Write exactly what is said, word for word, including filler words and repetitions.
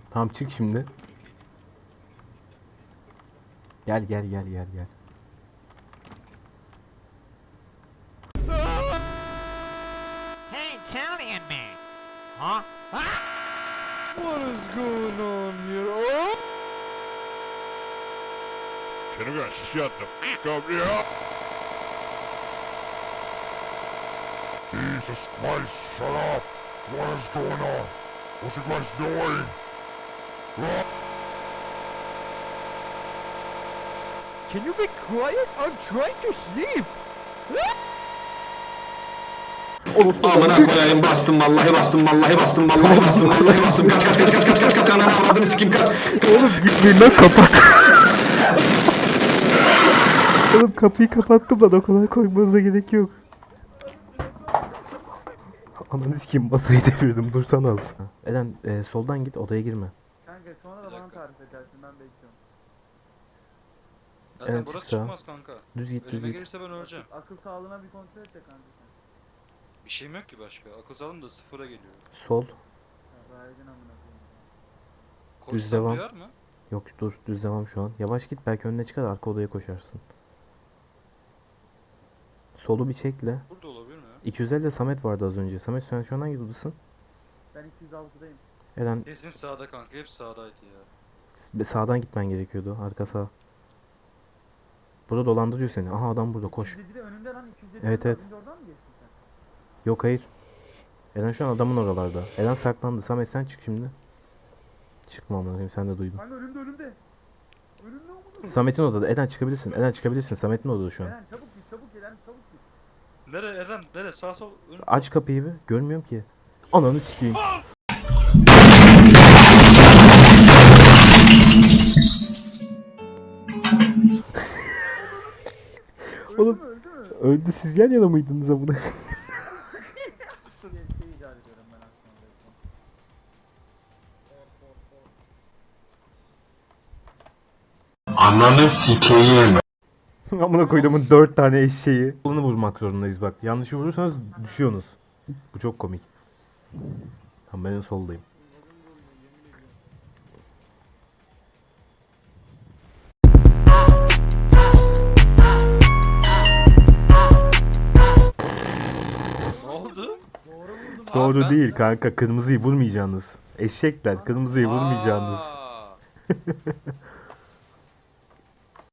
Tamam çık şimdi. Gel gel gel gel gel. Hey, Italian man! Huh? What is going on here? Oh! Can I guys shut the fuck up here? Jesus Christ, shut up! What is going on? What's you guys doing? Can you be quiet? I'm trying to sleep! Amına koyayım, bastım vallahi bastım vallahi bastım vallahi bastım vallahi bastım, kaç kaç kaç kaç kaç kaç kaç ananı avradını sikeyim, kaç. Oğlum gitmeyin lan, kapat. Oğlum kapıyı kapattım lan, o kadar koymanıza gerek yok. Ananı sikeyim, masayı devirdim, dursana az. Eren e, soldan git, odaya girme. Kanka sonra da bana tarif edersin, ben bekliyorum. Zaten Evet, burası çıksa. çıkmaz kanka. Düz git düz Önüme git. gelirse ben öleceğim. Akıl sağlığına bir kontrol et de kanka sen. Bir şeyim yok ki başka. Akıl sağlığım da sıfıra geliyor. Sol. Ya Raydin amına koyayım. Koşsam devam. duyar mı? Yok dur, düz devam şu an. Yavaş git, belki önüne çıkar, arka odaya koşarsın. Solu bir çekle. Burada olabilir mi? iki yüz ellide Samet vardı az önce. Samet sen şu an hangi odasın? Ben iki yüz altıdayım. Eren Kesin sağda kanka. Hep sağdaydı ya. sağdan gitmen gerekiyordu, arka sağ. Burada dolandırıyor seni. Aha adam burada, koş. iki yüz yedide önümde lan, iki yüz yedi. Evet, evet. Oradan mı geçtin sen? Yok hayır. Eren şu an adamın oralarda. Eren saklandı. Samet sen çık şimdi. Çıkma amına koyayım, sen de duydun. Kanka önümde önümde. Önümde amına. Samet'in odada. Eren çıkabilirsin. Eren çıkabilirsin. Samet'in odada şu an. Eren çabuk git, çabuk git, Eren çabuk git. Nere Eren? Nere? Sağ sol. Ön... Aç kapıyı bir. Görmüyorum ki. Ananı sikeyim. Oğlum Öldü mü? öldü, siz yan yana mıydınız amına? Bir şey icat ediyorum ben aslında. Ananı sikeyim. Amına koyduğumun dört tane eşeği. Kolunu vurmak zorundayız bak. Yanlışı vurursanız düşüyorsunuz. Bu çok komik. Tamam, ben en soldayım. Ne oldu? Doğru ben- değil kanka. Kırmızıyı vurmayacaksınız. Eşekler, kırmızıyı vurmayacaksınız. Aa!